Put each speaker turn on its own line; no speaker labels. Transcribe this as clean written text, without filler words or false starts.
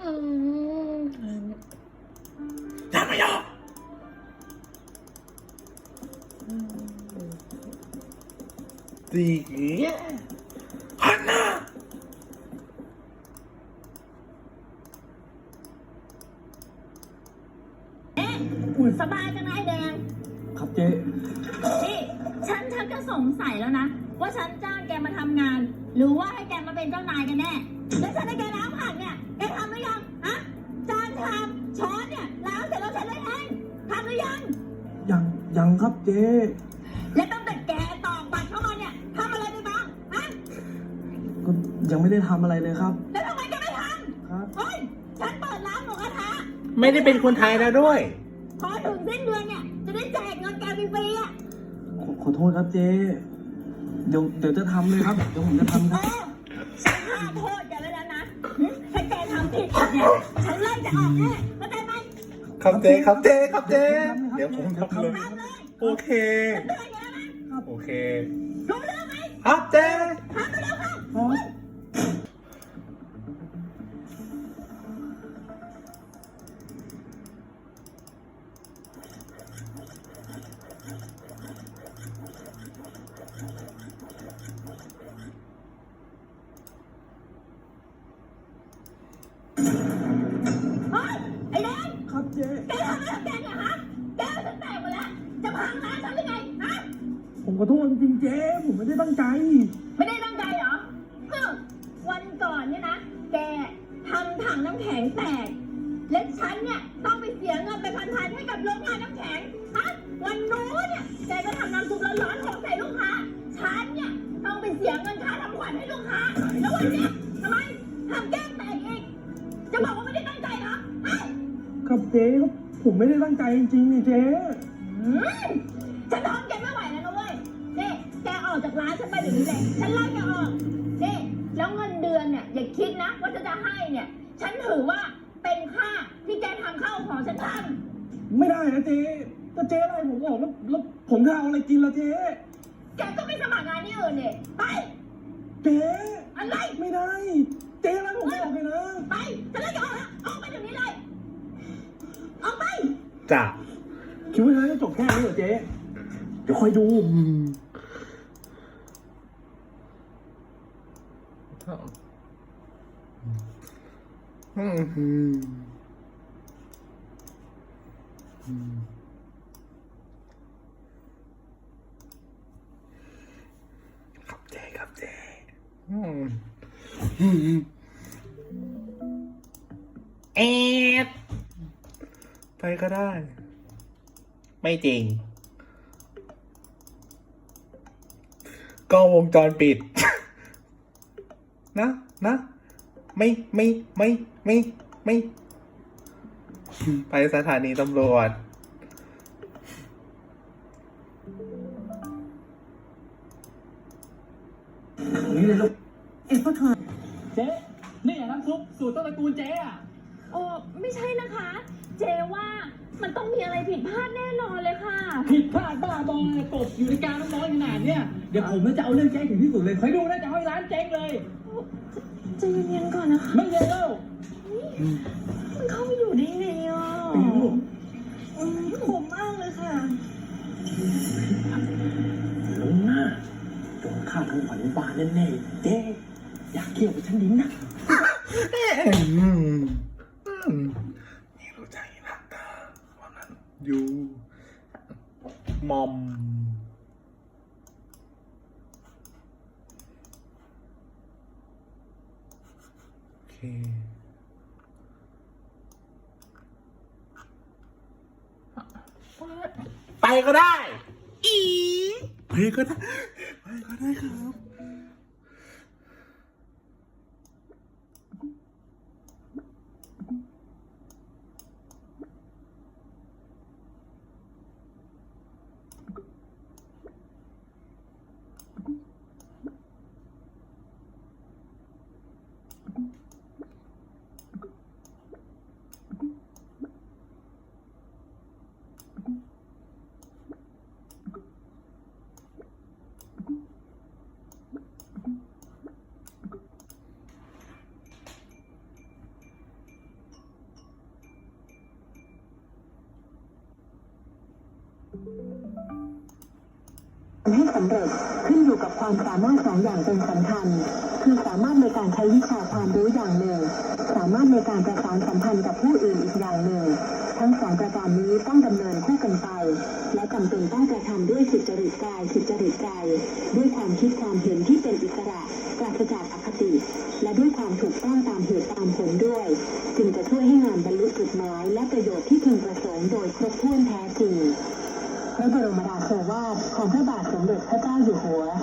อย่ามาย่อดีฮันน่า
สบายจังนะไอ้แดง
ครับเจ๊
นี่ฉันก็สงสัยแล้วนะว่าฉันจ้างแกมาทำงาน หรือว่าให้แกมาเป็นเจ้านายกันแน่แล้วฉันให้แกล้างผักเนี่ยแกทำหรือยังฮะจานชามช้อนเนี่ยล้างเสร็จแล้วฉันเลยเองทำหรือยัง
ยังครับเจ๊
และตั้งแต่แกตอกบัตรเข้ามาเนี่ยทำอะไรไปบ้างฮะ
ก็ยังไม่ได้ทำอะไรเลยครับ
แล้วทำไมแกไม่ทำ
ครับ
เฮ้ยฉันเปิดร้านหมูกระทะ
ไม่ได้เป็นคนไทยแล้วด้วย
พอถึงสิ้นเดือนเนี่ยจะได้แจกเงินแกฟรีๆอ่ะ
ขอโทษครับเจ๊เดี๋ยวจะทำเลยครับเดี๋ยวผมจะทำครับ
ฉันห้ามโทษแกแล้วนะถ้าแกทำผิดเนี่ยฉันไล่จะออกแน่เข้าใจไหม
ครับเจ๊ครับเจ๊ครับเจ๊เดี๋ยวผมทำเลยโอเคโอเค
รู้เรื่องไหม
ครับเจ๊
ทำไปแล้วค่ะไอ้แดง
ครับเจ๊
แกทำอะไรกับแกเนี่ยฮะแกฉันแตกหมดแล้วจะพังร้านฉันหรือไงฮะ
ผมขอโทษจริงๆเจ๊ผมไม่ได้ตั้งใจ
ไม่ได้ตั้งใจเหรอวันก่อนเนี่ยนะแกทำถังน้ำแข็งแตกและฉันเนี่ยต้องไปเสียเงินไปพันๆให้กับโรงงานน้ำแข็งฮะวันนู้นเนี่ยแกก็ทำน้ำซุปร้อนๆของใส่ลูกค้าฉันเนี่ยต้องไปเสียเงินค่าทำขวัญให้ลูกค้าแล้ววันเนี้ยทำไมทำแก้มแตกอีกจะบอกว่าไม่ได้ตั้งใจเหรอ
ครับเจ๊ครับผมไม่ได้ตั้งใจจริงๆนี่เจ๊
ฉันทนแกไม่ไหวแล้วนะเว้ยนี่แกออกจากร้านฉันไปเดี๋ยวนี้เลยฉันไล่แกออกนี่แล้วเงินเดือนเนี่ยอย่าคิดนะว่าจะให้เนี่ยฉันถือว่าเป็นค่าที่แกทำข้าวของฉันท
ำไม่ได้นะเจ๊ถ้าเจ๊ไล่ผมออกแล้วผมจะเอาอะไรกินล่ะเจ๊
แกก็ไม่สมัครงานที่อื่นเนี่ยไป
เจ๊
อะไร
ไม่ได้เจ๊ไล่ผมออกเลยนะ
ไปฉันไล่แกออกแล้วออกไปเดี๋ยวนี้เลยออกไป
จ้ะ
คิดว่าจะจบแค่นี้เหรอเจ๊เดี๋ยวคอยดู
ครับเจ๊ครับเจ๊เอ็ดไปก็ได้ไม่จริงกล้องวงจรปิดนะไม่ไปสถานีตำรวจ
นี่เลยลูกพ่อเธอเจ๊นี่น้ำซุปสูตรต้นตระกูลเจ๊อะ
โอ้ไม่ใช่นะคะเจว่ามันต้องมีอะไรผิดพลาดแน่นอนเลยค่ะ
ผิดพลาดบ้าบอตกอยู่ในการน้ำร้อนขนาดเนี้ยเดี๋ยวผมจะเอาเรื่องแจ้งถึงที่สุดเลยคอยดูนะจะให้ร้านเจ๊งเลย
ใจเย็นๆก่อนนะคะ
ไม่เย็นแล้ว
มันเข้าไปอยู่ได้ไงอ่ะผมมากเลยค่ะ
ลุงน่ะโดนฆ่าทั้งขวัญบาแน่ๆเจ๊อยากเกี่ยวกับฉันดิ้นนะ
นี่รู้ใจรักตาวันนั้นอยู่มอมโอเคไปก็ได้ไปก็ได้ครับ
ำเร็จขึ้นอยู่กับความสามารถ2 อย่างเป็นสำคัญคือสามารถในการใช้วิชาความรู้อย่างหนึ่งสามารถในการประสานสัมพันธ์กับผู้อื่นอีกอย่างหนึ่งทั้ง2 ประการนี้ต้องดำเนินคู่กันไปและจำเป็นต้องกระทำด้วยสุจริตกายสุจริตใจด้วยความคิดความเห็นที่เป็นอิสระปราศจากอคติและด้วยความถูกต้องตามเหตุตามผลด้วยจึงจะช่วยให้งานบรรลุจุดหมายและประโยชน์ที่พึงประสงค์โดยครบถ้วนแท้จริงพระบรมราโชวาทของพระบาทสมเด็จพระเจ้าอยู่หัว